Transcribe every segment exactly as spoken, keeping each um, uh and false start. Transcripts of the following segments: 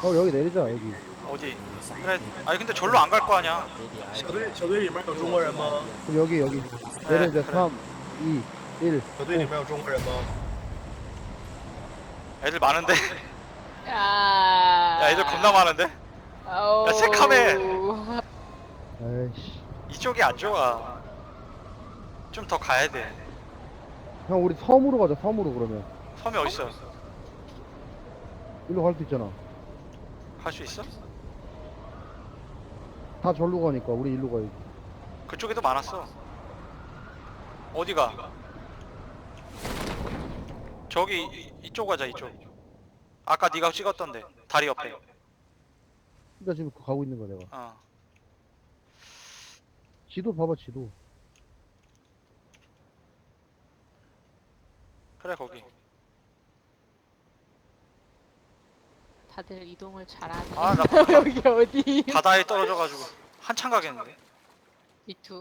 형 여기 내리자 여기. 어디? 그래. 아니 근데 절로 안 갈 거 아니야. 小队小队里面有中国人吗？ 그럼 여기 여기 그래, 내리자. 그래. 삼, 이, 일. 小队里面有中国人吗？ 애들 많은데? 야, 야 애들 겁나 많은데? 야, 새카매. 아이씨. 이쪽이 안 좋아. 좀 더 가야 돼. 형 우리 섬으로 가자. 섬으로 그러면. 섬이 어딨어? 일로 갈 수 있잖아. 갈 수 있어? 다 절로 가니까 우리 일로 가야지. 그쪽에도 많았어. 어디가? 저기 이- 이쪽 가자 이쪽. 아까 네가 찍었던데 다리 옆에. 나 지금 그거 가고 있는 거야 내가. 어. 지도 봐봐 지도. 그래 거기. 다들 이동을 잘하네. 아, 나 여기 어디? 바다에 떨어져가지고 한참 가겠는데. 이투.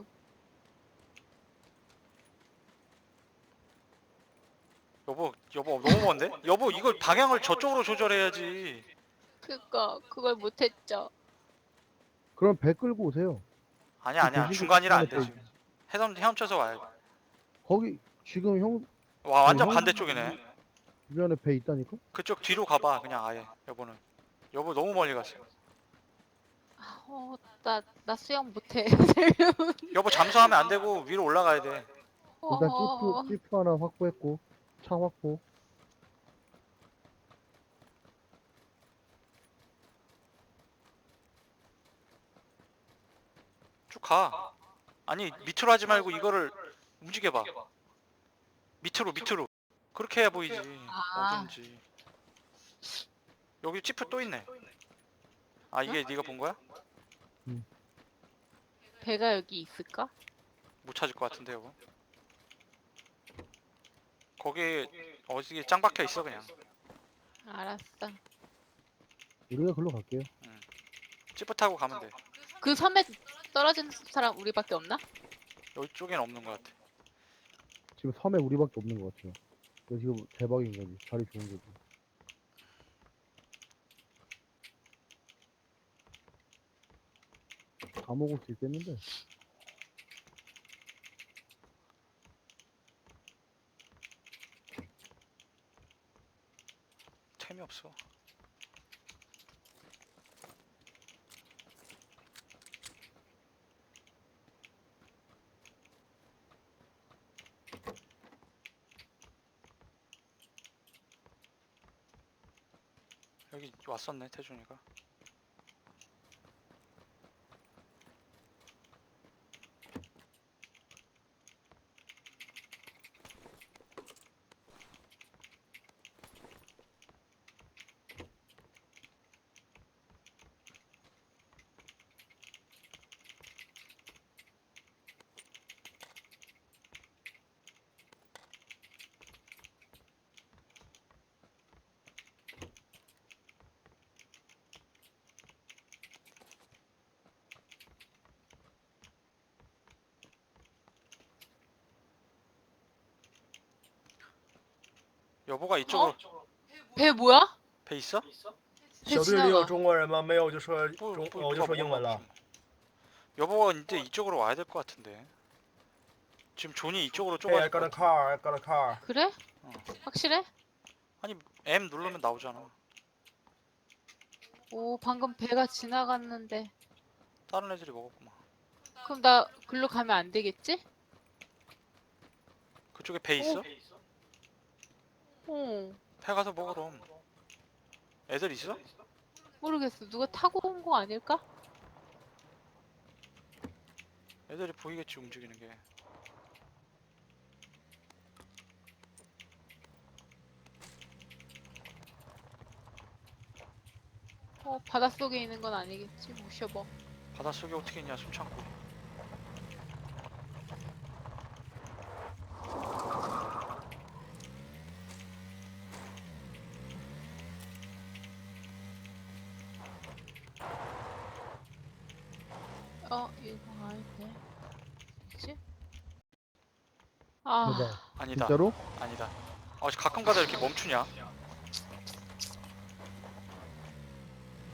여보, 여보 너무 먼데? 여보 이걸 방향을 저쪽으로 조절해야지. 그거 그걸 못했죠. 그럼 배 끌고 오세요. 아니야 아니야 그 중간이라 안 돼 중간에 지금. 해삼 헤엄쳐서 와야 돼. 거기 지금 형 와 완전 형- 반대쪽이네. 주변에 배 있다니까? 그쪽 뒤로 가봐 그냥 아예. 여보는. 여보 너무 멀리 갔어. 아, 어, 나, 나 수영 못해. 여보 잠수하면 안 되고 위로 올라가야 돼. 일단 어, 지프 지프 하나 확보했고 차 확보. 쭉 가. 아니 밑으로 하지 말고 이거를 움직여봐. 밑으로 밑으로. 그렇게 해야 보이지. 아. 어딘지. 여기 지프 또 있네. 아 이게 네가 본 거야? 배가 여기 있을까? 못 찾을 것 같은데 여보. 거기 어디 짱 박혀 있어 그냥. 알았어. 우리가 글로 갈게요. 지프 타고 가면 돼. 그 섬에 떨어진 사람 우리밖에 없나? 여기 쪽엔 없는 것 같아. 지금 섬에 우리밖에 없는 것 같아요. 이거 지금 대박인 거지. 자리 좋은 거지. 다 먹을 수 있겠는데? 템이 없어. 여기 왔었네 태준이가. 여보가 이쪽으로 배 뭐야? 배 있어? 小队里有中国人吗？没有，我就说 뭐, 中， 뭐, 我就 누가 说英文 뭐가 了。 무슨. 여보가 이제 이쪽으로 와야 될 것 같은데. 지금 존이 이쪽으로 Hey, I 좁아질 got 것 a 같아. car. I got a car. 그래? 어. 확실해? 아니 M 누르면 나오잖아. 오, 방금 배가 지나갔는데. 다른 애들이 먹었구만. 그럼 나 글로 가면 안 되겠지? 그쪽에 배 있어? 어, 배 가서 먹어 그럼. 애들 있어? 모르겠어. 누가 타고 온 거 아닐까? 애들이 보이겠지 움직이는 게. 어, 바닷속에 있는 건 아니겠지? 모셔봐. 바닷속에 어떻게 있냐 숨 참고. 어, 이거 아닌데. 뭐지? 아, 대박. 아니다. 진짜로? 아니다. 어 가끔 가다 이렇게 멈추냐?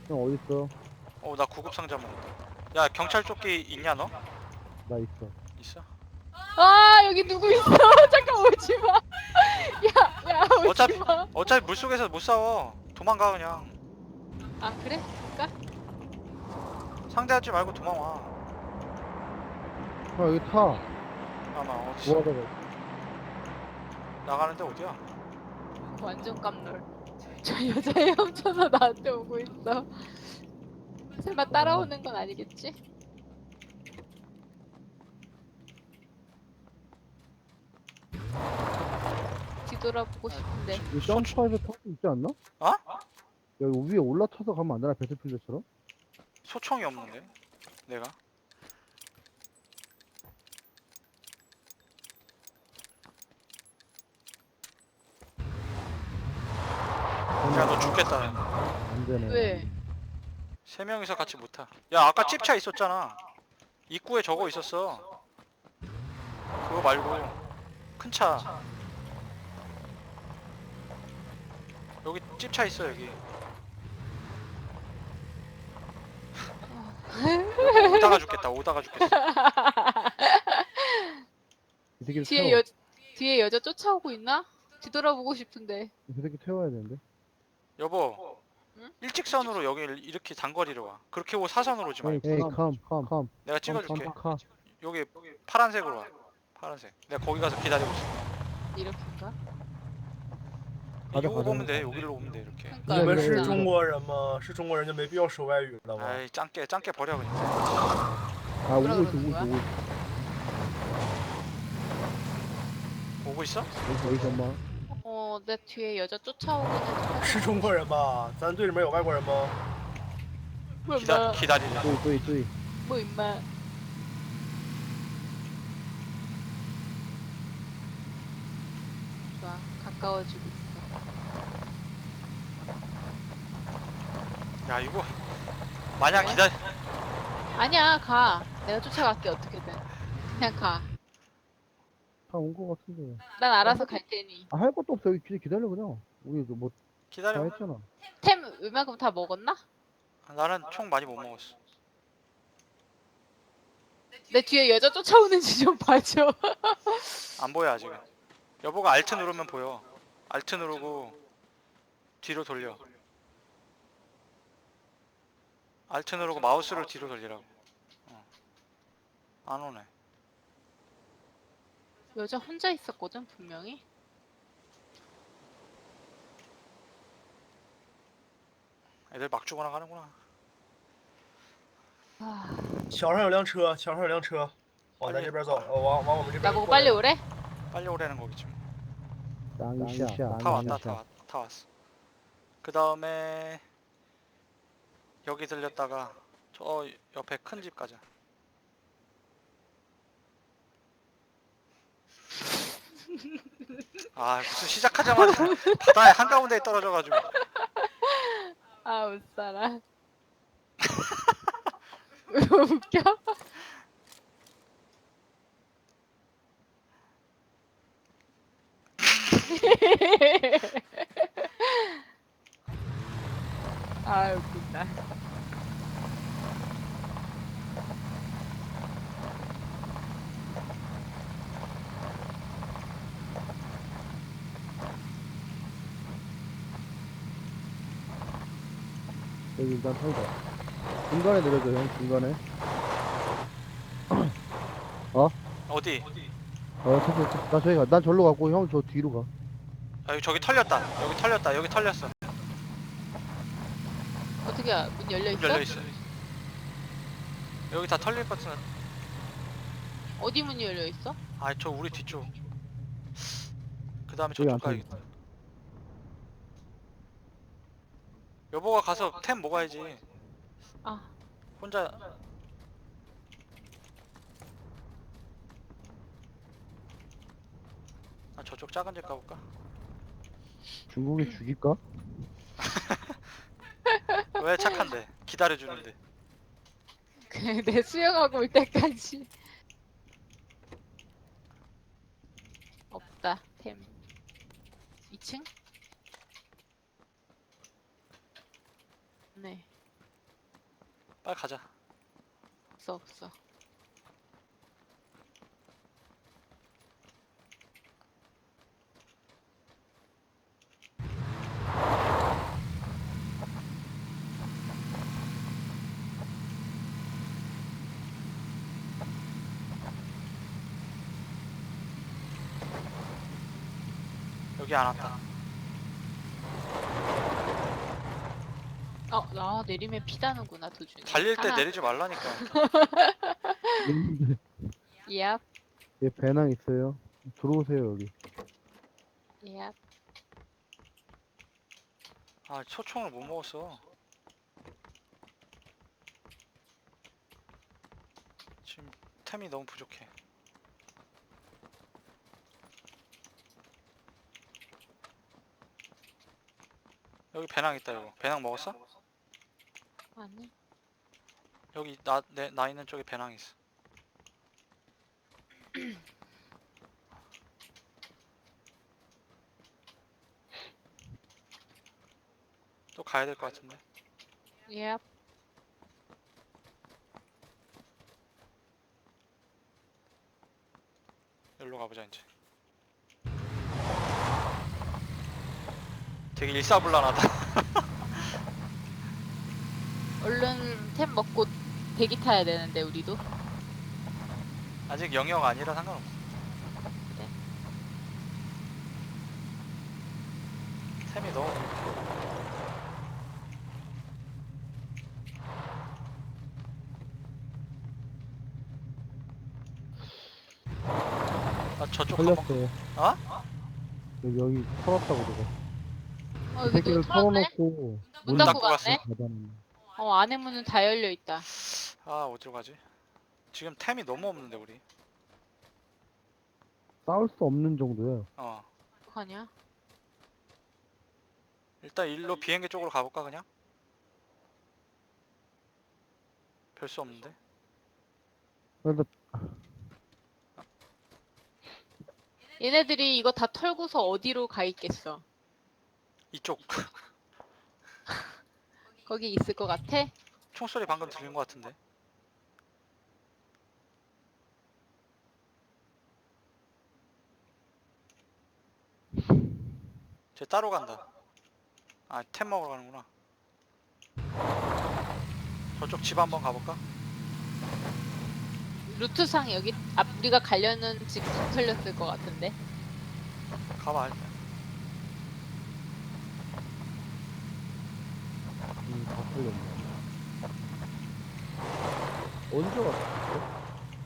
형 어딨어? 어 나 구급 상자 먹었다. 야 경찰 조끼 있냐 너? 나 있어. 있어? 아 여기 누구 있어? 잠깐 오지 마. 야, 야 오지 어차피 마. 어차피 물속에서 못 싸워. 도망가 그냥. 아 그래? 그니까? 상대하지 말고 도망와. 형 여기 타. 아마 어디 뭐 하다가. 나가는데 어디야? 완전 깜놀. 저 여자애 훔쳐서 나한테 오고 있어. 설마 따라오는 건 아니겠지? 뒤돌아보고 싶은데. 여기 점프해서 탈 수 있지 않나? 어? 여기 위에 올라타서 가면 안 되나? 배틀필드처럼? 소총이 없는데 내가. 야 너 죽겠다. 안 되네. 왜? 세 명이서 같이 못 타. 야 아까 찝차 있었잖아. 입구에 저거 있었어. 그거 말고 큰 차. 여기 찝차 있어 여기. 오다가 죽겠다. 오다가 죽겠어. 이 새끼를 뒤에 태워. 여 뒤에 여자 쫓아오고 있나? 뒤돌아보고 싶은데. 이 새끼 태워야 되는데. 여보. 응? 일직선으로 여기 이렇게 단거리로 와. 그렇게 오고 사선으로 오지 에이, 말고. 에이, 컴, 컴, 컴. 내가 찍어줄게. 컴, 컴, 컴. 여기 파란색으로 와. 파란색. 내가 거기 가서 기다리고 있어. 이렇게인가? 가자, 이거 가자. 오면 돼. 여기로 오면 돼 이렇게. 你 그러니까 们 네, 是 네, 中国人吗？是中国人就没必要说外语了吗？ 아이 짱깨 짱깨 버려 그냥. 아, 오고 뭐라 있어, 오고 그러는 있어, 거야? 오고 있어. 오고 있어? 여기, 여기 잠깐만. 어, 내 뒤에 여자 쫓아오거든. 是中国人吧？咱队里面有外国人吗？ 뭐 기다 임마? 기다리자. 또이, 또이, 또이. 뭐 임마? 좋아, 가까워지고 있어. 야 이거 마냥 기다. 아니야, 가. 내가 쫓아갈게 어떻게든. 그냥 가. 다 온 거 같은데. 난 알아서 갈 테니. 아, 할 것도 없어. 여기 그냥 기다려, 그냥. 우리 뭐, 다 기다려. 했잖아. 템 웬만큼 다 먹었나? 나는 총 많이 못 먹었어. 내 뒤에 여자 쫓아오는지 좀 봐줘. 안 보여 아직은. 여보가 알트 누르면 보여. 알트 누르고 뒤로 돌려. 알트 누르고 마우스를 뒤로 돌리라고. 어. 안 오네. 여자 혼자 있었거든 분명히. 애들 막 죽어나 가는구나. 아, 桥上有辆车，桥上有辆车，往咱这边走，呃，往往我们这边。 나보고 빨리 오래? 빨리 오라는 거겠지 뭐. 땅이샤, 다 왔다 다, 땅이샤. 왔, 다 왔어. 그 다음에 여기 들렸다가 저 옆에 큰 집 가자. 아 무슨 시작하자마자 바다의 한가운데에 떨어져가지고. 아, 못 살아. 웃겨? 아, 웃긴다. 여기 일단 털자. 중간에 내려줘, 형, 중간에. 어디? 어, 탔어, 탔어. 나 저기 가. 난 절로 가고, 형 저 뒤로 가. 아, 여기 저기 털렸다. 여기 털렸다. 여기 털렸어. 어떻게 문 열려 문 있어? 열려 있어. 여기 다 털릴 것 같은. 어디 문이 열려 있어? 아, 저 우리 뒤쪽. 그 다음에 여기 저쪽 안 가야겠다. 여보가 가서 템 먹어야지. 아, 혼자. 아, 저쪽 작은 집 가볼까? 중국에 죽일까? 왜 착한데? 기다려주는데. 그냥 내 수영하고 올 때까지. 없다 템. 이 층? 네. 빨리 가자. 없어 없어. 여기 안 왔다. 어, 나 내리면 피다는구나 도중에. 달릴 때 하하. 내리지 말라니까. Yep, 예, 배낭 있어요. 들어오세요 여기. yep. 아, 초총을 못 먹었어. 지금 템이 너무 부족해. 여기 배낭 있다. 이거 배낭 먹었어? 아니. 여기 나, 내, 나 있는 쪽에 배낭 있어. 또 가야 될 것 같은데. Yep. 여기로 가보자 이제. 되게 일사불란하다. 얼른 템 먹고 대기 타야 되는데 우리도. 아직 영역 아니라 상관없어. 그래? 템이 너무 부족해. 아 저쪽 한번. 털렸어요. 어? 여기 여기 털었다고 그러고. 어, 그 여기 새끼를 또 털었네. 털어놓고 문 닫고 닫고 갔어. 갔네. 닫아놨네. 어, 안에 문은 다 열려 있다. 아 어디로 가지? 지금 템이 너무 없는데 우리. 싸울 수 없는 정도예요. 어. 어떡하냐? 일단 일로 비행기 쪽으로 가볼까 그냥? 별 수 없는데. 그래도 얘네들이 이거 다 털고서 어디로 가 있겠어? 이쪽. 거기 있을 것 같아? 총소리 방금 들린 것 같은데. 쟤 따로 간다. 아, 템 먹으러 가는구나. 저쪽 집 한번 가볼까? 루트상 여기 앞 우리가 가려는 집 다 털렸을 것 같은데. 가봐 일단. 음, 다 털렸네. 언제 왔어?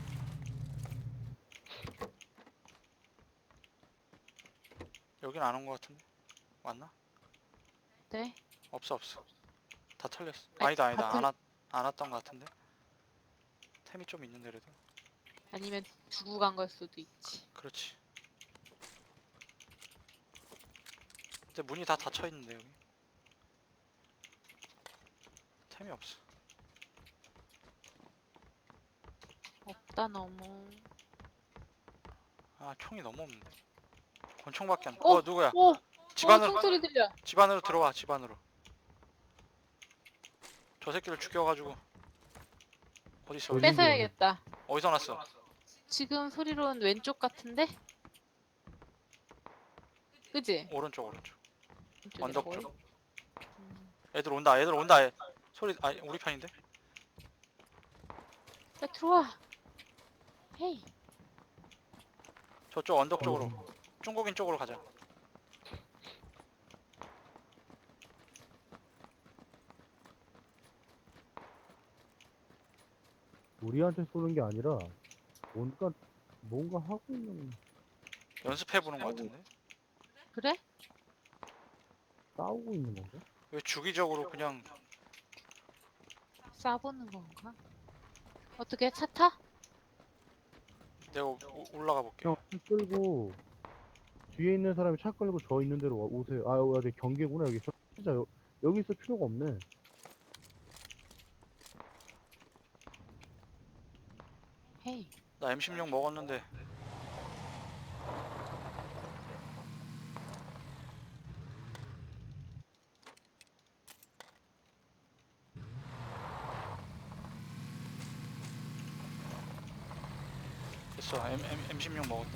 여긴 안 온 것 같은데. 왔나? 네. 없어 없어. 다 털렸어. 아니, 아니다 아니다. 다 안, 털- 왔, 안 왔던 것 같은데. 템이 좀 있는데 그래도. 아니면 두고 간 걸 수도 있지. 그렇지. 근데 문이 다 닫혀 있는데 여기. 템이 없어. 없다 너무. 아 총이 너무 없는데. 권총밖에 안. 어? 어 누구야? 오! 집 어, 안으로 총소리 들려. 집 안으로 들어와. 집 안으로. 저 새끼를 죽여가지고. 어디 있어? 어디? 뺏어야겠다. 어디서 났어? 지금 소리로는 왼쪽 같은데? 그지? 오른쪽 오른쪽. 왼쪽이라고 언덕 해? 쪽. 음. 애들 온다. 애들 온다. 애. 소리 아 우리 편인데? 야 들어와. 헤이. 저쪽 언덕 쪽으로. 중국인 쪽으로 가자. 우리한테 쏘는 게 아니라 뭔가 뭔가 하고 있는 연습해 보는 것 같은데. 그래? 싸우고 있는 건가? 왜 주기적으로 그냥 쏴보는 건가? 어떻게 차 타? 내가 오- 올라가 볼게. 그냥 차 끌고 뒤에 있는 사람이 차 끌고 저 있는 데로 와- 오세요. 아 여기 경계구나 여기. 저 진짜 여, 여기 있을 필요가 없네. 헤이. 나 엠 십육 먹었는데. 먹었어. M, M, 엠십육 먹었다.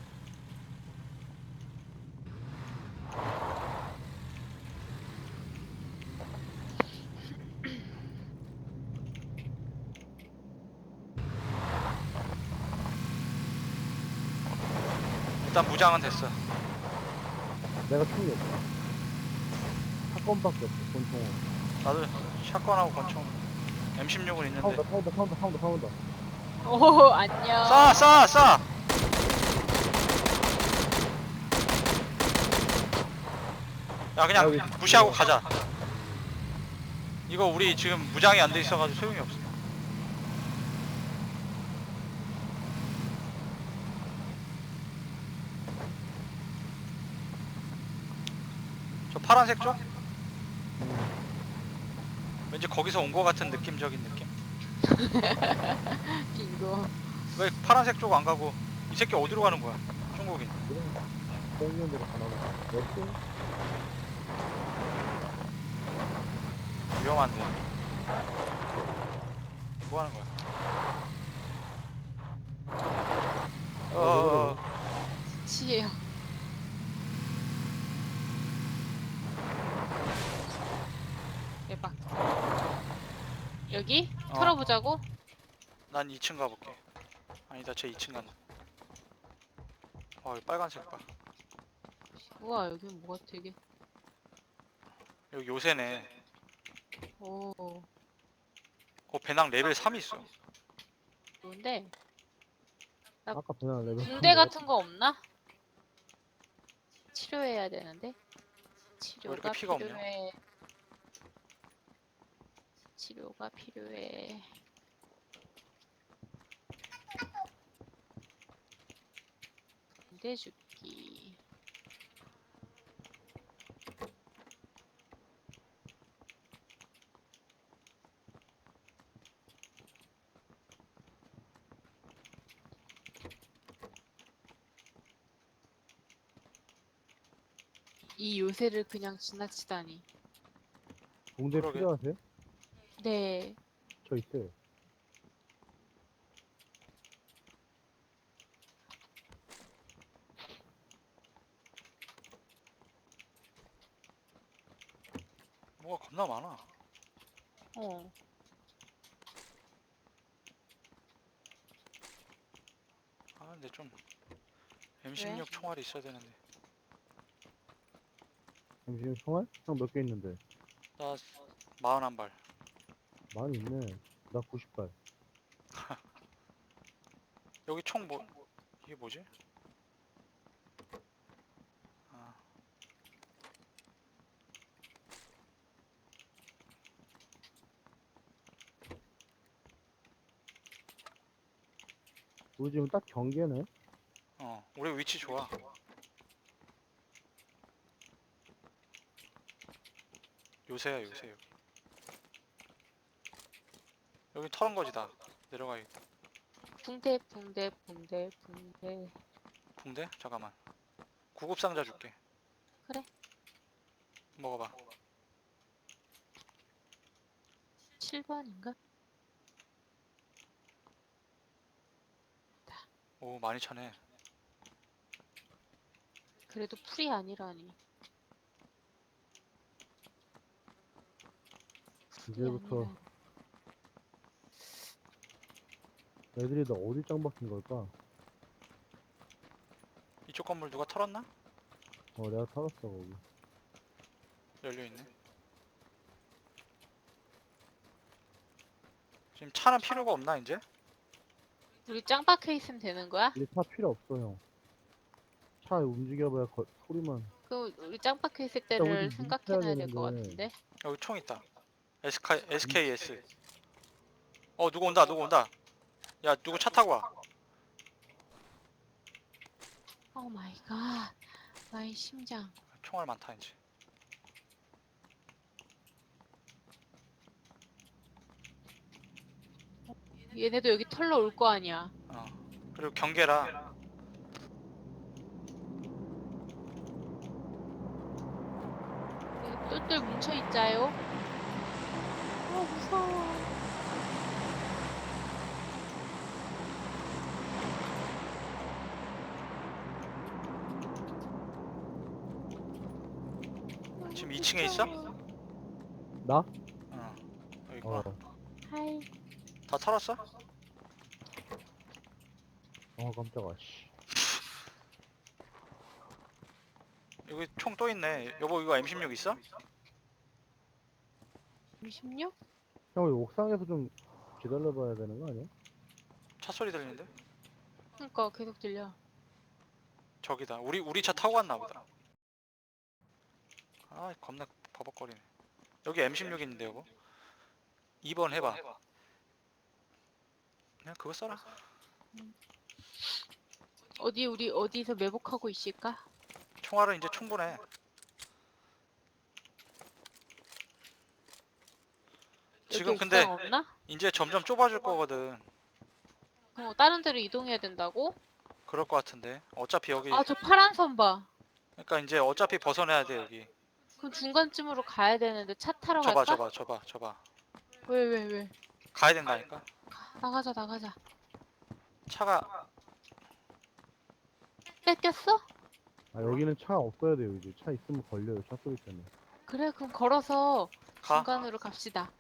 일단 무장은 됐어. 내가 총이 없어. 사건밖에 없어. 권총은. 나도 샷건하고 권총 엠십육은 있는데. 사운드 사운드 사운드 사운드 사운드. 오 안녕. 쏴! 쏴! 쏴! 야 그냥 여기. 무시하고 가자. 이거 우리 지금 무장이 안 돼 있어가지고 소용이 없어. 저 파란색 쪽? 왠지 거기서 온 거 같은 느낌적인 느낌. 빙고. 왜 파란색 쪽 안 가고 이 새끼 어디로 가는 거야? 중국인. 땡기는 대로 가나 봐. 몇 위험한데. 뭐 하는 거야? 어어어. 치예요. 대박. 여기 어. 털어보자고. 난 이 층 가볼게. 아니다, 쟤 이 층 간다. 어, 여기 빨간색 봐. 우와 여기 뭐가 되게. 여기 요새네. 오 어, 배낭 레벨 삼 있어. 좋은데. 아까 배낭 레벨. 붕대 같은 거 없나? 치료해야 되는데. 치료가 피가 없냐? 필요해. 치료가 필요해. 붕대 줍기. 이 요새를 그냥 지나치다니. 봉대 그러게. 필요하세요? 네. 저 있어요. 뭐가 겁나 많아. 어. 아, 근데 좀 엠십육 왜? 총알이 있어야 되는데. 잠시만 총알? 형 몇 개 있는데? 나 마흔한 발. 많이 있네. 나 구십 발. 여기 총 뭐? 이게 뭐지? 아, 우리 지금 딱 경계네. 어, 우리 위치 좋아. 요새야 요새 여기. 여기 털은 거지 다. 내려가야겠다. 붕대 붕대 붕대 붕대. 붕대? 잠깐만. 구급 상자 줄게. 그래. 먹어봐. 칠 번인가? 오, 많이 차네. 그래도 풀이 아니라니. 풀이 이제부터 아니라니. 애들이 나 어디 짱 박힌 걸까? 이쪽 건물 누가 털었나? 어, 내가 털었어 거기. 열려있네. 지금 차는 필요가 없나 이제? 우리 짱 박혀 있으면 되는 거야? 우리 차 필요 없어 형. 차 움직여봐야 거, 소리만. 그럼 우리 짱 박혀 있을 일단 때를 우리 생각해놔야 될 것 뭉쳐야 같은데. 여기 총 있다. 에스케이, 에스케이에스. 어, 누구 온다 누구 온다. 야, 누구 차 타고 와. 오 마이 갓. 나의 심장. 총알 많다 이제. 얘네도 여기 털러 올 거 아니야. 어. 그리고 경계라. 우리 똘똘 뭉쳐 있자요. 어 무서워. 지금 이 층에 있어? 나? 어. 여기 있구나. 어. 하이. 다 털었어? 어 깜짝아 씨. 여기 총 또 있네. 여보 이거 엠 십육 있어? 이십육? 형 우리 옥상에서 좀 기다려봐야 되는 거 아니야? 차 소리 들리는데? 그니까 계속 들려. 저기다. 우리 우리 차 타고 갔나 보다. 아 겁나 버벅거리네. 여기 엠 십육 있는데 여보. 이 번 해봐. 그냥 그거 써라. 어디 우리 어디서 매복하고 있을까? 총알은 이제 충분해. 지금 여기 근데 옥상 없나? 이제 점점 좁아질 거거든. 어, 다른 데로 이동해야 된다고? 그럴 것 같은데. 어차피 여기 아, 저 파란 선 봐. 그러니까 이제 어차피 벗어나야 돼 여기. 그럼 중간쯤으로 가야 되는데 차 타러 저봐 갈까? 저봐 저봐 저봐. 왜, 왜, 왜? 가야 된다니까. 나가자, 나가자. 차가 뺏겼어? 아 여기는 차 없어야 돼요 이제. 차 있으면 걸려요 차 소리 때문에. 그래, 그럼 걸어서 가. 중간으로 갑시다.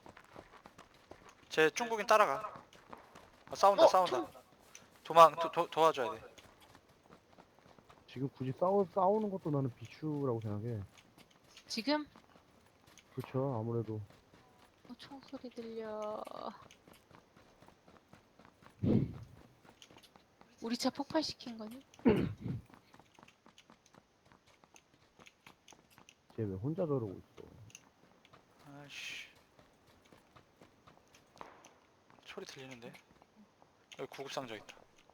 제 중국인 따라가. 아, 싸운다 어, 싸운다. 도망 도, 도, 도와줘야 돼. 지금 굳이 싸우, 싸우는 것도 나는 비추라고 생각해. 지금? 그쵸 아무래도. 어, 총소리 들려. 우리 차 폭발시킨 거니? 쟤 왜 혼자 저러고 있어. 아이씨. 소리 들리는데. 여기 구급 상자 있다.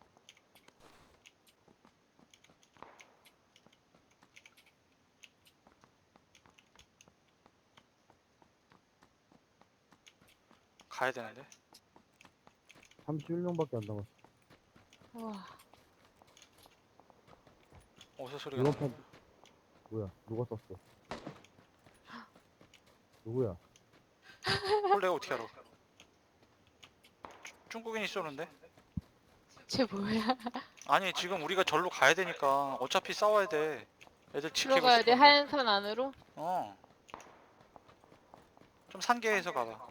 가야 되는데. 삼십일 명밖에 안 남았어. 우와. 어디서 소리가 이번 나? 판 뭐야 누가 썼어? 누구야? 홀 내가 어떻게 알아? 주- 중국인이 쏘는데? 쟤 뭐야? 아니 지금 우리가 절로 가야 되니까 어차피 싸워야 돼. 애들 지키고 들어가야 돼? 싶은데. 하얀 선 안으로? 어. 좀 산계에서 가봐.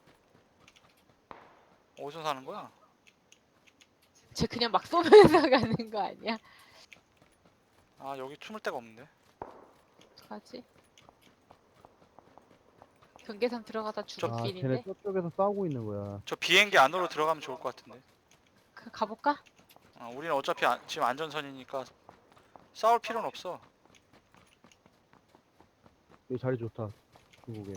어디서 사는 거야? 쟤 그냥 막 쏘면서 가는 거 아니야? 아 여기 숨을 데가 없는데. 어떡하지? 경계선 들어가다 죽을 아 길인데? 쟤네 저쪽에서 싸우고 있는 거야. 저 비행기 안으로 들어가면 좋을 것 같은데. 그 가볼까? 어, 우리는 어차피 안- 지금 안전선이니까 싸울 필요는 없어. 여기 자리 좋다. 중국에.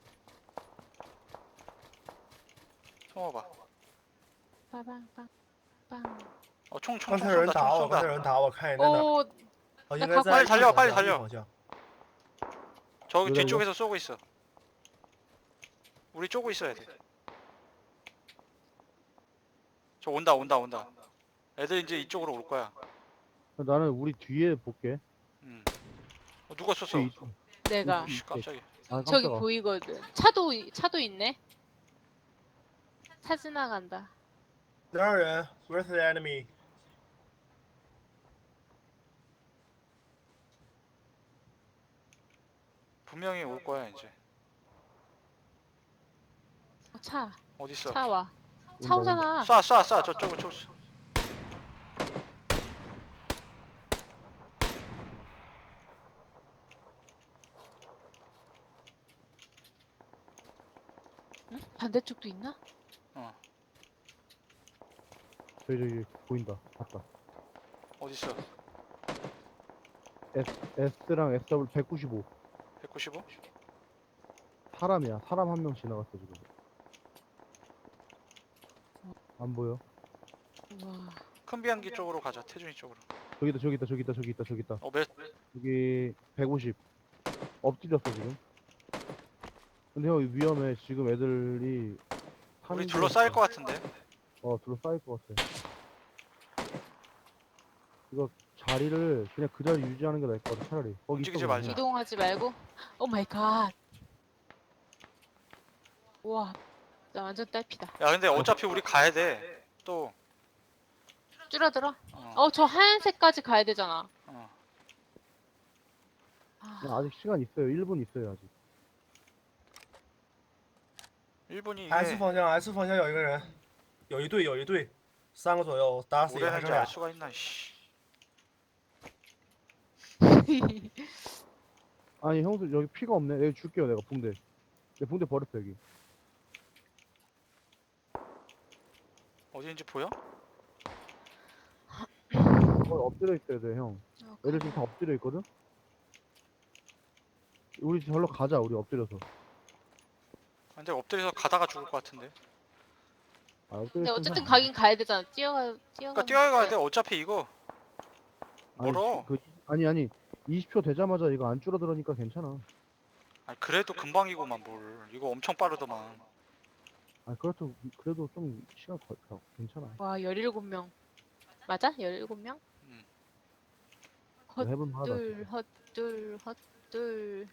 숨어봐. 빠방빵 빵. 어, 총, 총, 刚 총 才有人 쏜다, 打 총 我，刚才 쏜다. 有人打我，看你在哪儿？ 오, 哦，应 나 该 가- 在 빨리 一 달려 方 빨리 向 달려 一方向 저기 여기다, 뒤쪽에서 쏘고 있어. 우리 쪼고 있어야 돼. 저 온다, 온다, 온다. 애들 이제 이쪽으로 올 거야. 나는 우리 뒤에 볼게. 음. 어, 누가 쐈어? 뒤에 있- 내가 씨, 깜짝이야. 아 저기 깜짝아. 보이거든. 차도 이- 차도 있네. 차 지나간다. 哪有人？Where's the enemy？ 분명히 올 거야 이제. 어, 차, 어디 있어? 차 와. 온다, 차 온다. 오잖아. 쏴, 쏴, 쏴. 저쪽으로, 저쪽. 쏴. 응? 반대쪽도 있나? 어, 저기 저기 보인다. 봤다. 어디 있어? S S랑 에스 더블유 백구십오. 백구십오? 사람이야. 사람 한 명 지나갔어 지금. 안 보여? 우와. 큰 비행기 쪽으로 가자. 태준이 쪽으로. 저기 있다 저기 있다 저기 있다 저기 있다 저기 있다. 어, 몇? 여기 백오십. 엎드렸어 지금. 근데 형 위험해. 지금 애들이 우리 사는 둘러싸일 데가- 것 같은데. 어 둘러싸일 것 같아. 이거 자리를 그냥 그 자리 유지하는 게 나을 것 같아 차라리. 거기 움직이지 있어, 말자. 그냥. 이동하지 말고. 오 마이 갓. 우와. 나 완전 딸피다. 야, 근데 어차피 우리 가야 돼. 또. 줄어들어. 어, 어, 저 하얀색까지 가야 되잖아. 어. 아, 아직 시간 있어요. 일 분 있어요 아직. 일 분이 S 이게 方向 S 方向有一个人，有一队有一队，三个左右，打死一个还 오래는지 剩 알 俩。 수가 있나 씨. 아니 형수 여기 피가 없네. 내가 줄게요 내가 붕대. 내 붕대 버렸어 여기. 어디인지 보여? 거기 엎드려 있어야 돼 형. 어, 애들 지금 다 엎드려 있거든. 우리 절로 가자 우리 엎드려서. 근데 엎드려서 가다가 죽을 것 같은데. 아, 엎드려 근데 있으면 어쨌든 상- 가긴 가야 되잖아. 뛰어가 뛰어가. 그러니까 뛰어가야 돼. 어차피 이거 아니, 멀어. 그, 아니 아니 이십 초 되자마자 이거 안 줄어들으니까 괜찮아. 아니, 그래도 금방이고만 뭘. 이거 엄청 빠르더만. 아 그렇도 그래도 좀 시간 걸 거- 괜찮아. 와 열일곱 명. 맞아? 열일곱 명? 헛, 해볼만하다. 둘, 헛둘, 헛둘,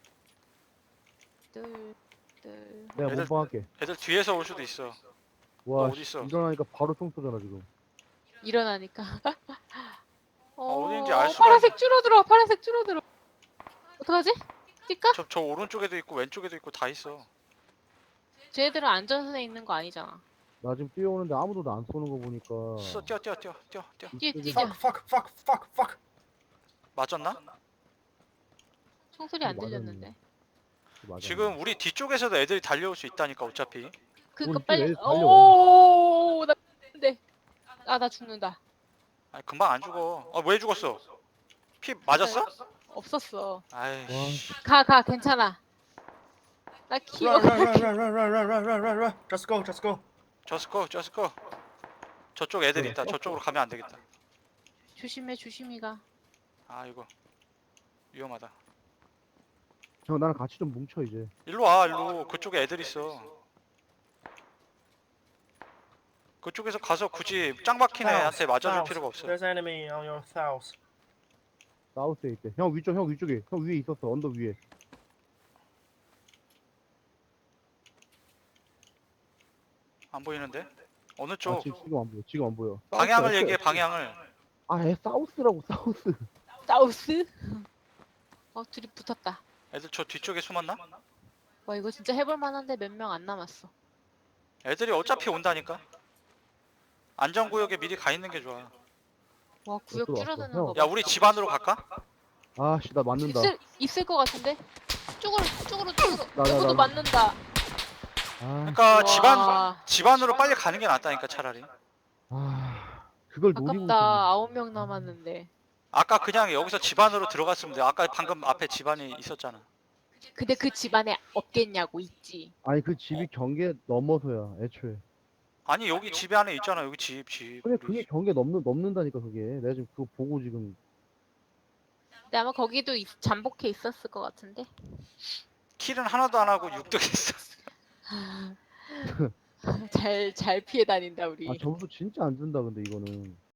둘, 둘. 내가 애들- 몸빵할게. 애들 뒤에서 올 수도 있어. 와 너 씨, 어딨어? 일어나니까 바로 총 쏘잖아 지금. 일어나니까. 어, 어딘지 알 수가 파란색 줄어들어. 파란색 줄어들어. 어떡하지? 뛸까? 저, 저 오른쪽에도 있고 왼쪽에도 있고 다 있어. 쟤들은 안전선에 있는 거 아니잖아. 나 지금 뛰어오는데 아무도 나 안 쏘는 거 보니까. 써 뛰어 뛰어 뛰어 뛰어 뛰어. 뛰어, 이쪽에- 뛰자. fuck fuck fuck fuck fuck. 맞았나? 총소리 안 맞았네. 들렸는데. 맞아. 지금 우리 뒤쪽에서도 애들이 달려올 수 있다니까 어차피. 그니까 우리 빨리. 애들 달려와. 오, 나 근데 아, 나 죽는다. 아니 금방 안 죽어. 아 왜 죽었어? 피 맞았어? 없었어. 아이씨. 가, 가, 괜찮아. 나 키워. Run run run run run run run run run run. Just go just go. 저스코 저스코. 저쪽 애들 그래, 있다. 저쪽으로 가면 안 되겠다. 조심해, 조심히 가. 아 이거 위험하다. 형 나랑 같이 좀 뭉쳐 이제. 일로 와 일로. 그쪽에 애들 있어. 그쪽에서 가서 굳이 짱 박힌 애한테 맞아줄 South. 필요가 없어. There's enemy on your south. 사우스에 있대. 형 위쪽 형 위쪽에. 형 위에 있었어 언덕 위에. 안 보이는데? 어느 아, 쪽? 지금 지금 안 보여. 지금 안 보여. 방향을 사우스야, 얘기해 저- 방향을. 아, 애 사우스라고 사우스. 사우스? 어, 둘이 붙었다. 애들 저 뒤쪽에 숨었나? 와, 이거 진짜 해볼 만한데 몇 명 안 남았어. 애들이 어차피 온다니까. 안전구역에 미리 가 있는 게 좋아. 와, 구역 들어왔어. 줄어드는 형. 거 야 봐. 우리 집 안으로 갈까? 아씨 나 맞는다. 있을, 있을 것 같은데? 쪽으로, 쪽으로, 쪽으로. 나, 나, 누구도 나. 맞는다. 아, 그러니까 집안 와, 집 안으로 빨리 가는 게 낫다니까 차라리. 아 그걸 노리고 아깝다. 있었네. 아홉 명 남았는데. 아까 그냥 여기서 집 안으로 들어갔으면 돼. 아까 방금 앞에 집안이 있었잖아. 근데 그 집안에 없겠냐고, 있지. 아니 그 집이 경계 넘어서야 애초에. 아니 여기 집 안에 있잖아. 여기 집 집. 근데 우리 그게 집. 경계 넘는 넘는다니까 그게. 내가 지금 그거 보고 지금. 근데 아마 거기도 있- 잠복해 있었을 것 같은데. 킬은 하나도 안 하고 육득했어. 잘, 잘 피해 다닌다, 우리. 아 점수 진짜 안 준다 근데 이거는.